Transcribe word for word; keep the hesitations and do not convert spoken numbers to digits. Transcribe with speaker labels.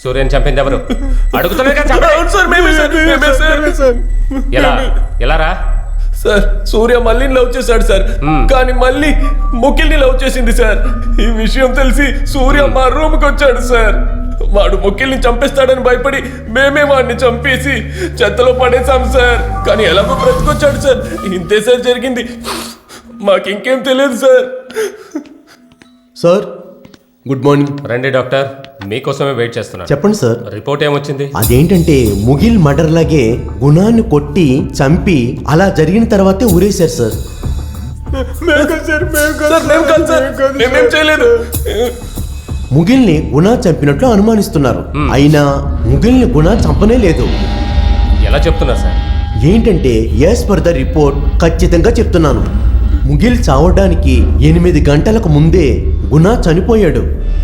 Speaker 1: సూర్యని చంపింది ఎవరు? అడుగుతున్నారు కదా,
Speaker 2: అవును సార్, మేమే సార్, మేమే సార్.
Speaker 1: ఎలా ఎలా రా?
Speaker 2: సార్ సూర్య మళ్ళీ లవ్ చేశాడు సార్, కానీ మళ్ళీ ముఖిల్ని లవ్ చేసింది సార్. ఈ విషయం తెలిసి సూర్య మా రూమ్ కి వచ్చాడు సార్. వాడు ముఖిల్ని చంపేస్తాడని భయపడి మేమే వాడిని చంపేసి చెత్తలో పడేశాం సార్. కానీ ఎలాగో బ్రతికొచ్చాడు సార్. ఇంతే సార్ జరిగింది, మాకు ఇంకేం తెలియదు సార్.
Speaker 3: Sir good morning.
Speaker 1: రండి డాక్టర్, మీకోసమే వెయిట్ చేస్తున్నాను.
Speaker 3: చెప్పండి సార్.
Speaker 1: రిపోర్ట్ ఏమొచ్చింది?
Speaker 3: అదేంటంటే ముగిల్ మర్డర్ లాగే గుణాన్ని కొట్టి చంపి అలా జరిగిన తర్వాతే ఊరేశారు సార్.
Speaker 2: సార్ మేము కాదు సార్, మేమేం చేయలేదు.
Speaker 3: ముగిల్ని గుణ చంపినట్లు అనుమానిస్తున్నారు. అయినా ముగిల్ని గుణ చంపనే లేదు.
Speaker 1: ఎలా చెప్తున్నారు సార్?
Speaker 3: ఏంటంటే యాజ్ పర్ ద రిపోర్ట్ ఖచ్చితంగా చెప్తున్నాను. ముగిల్ చావడానికి ఎనిమిది గంటలకు ముందే గుణ చనిపోయాడు.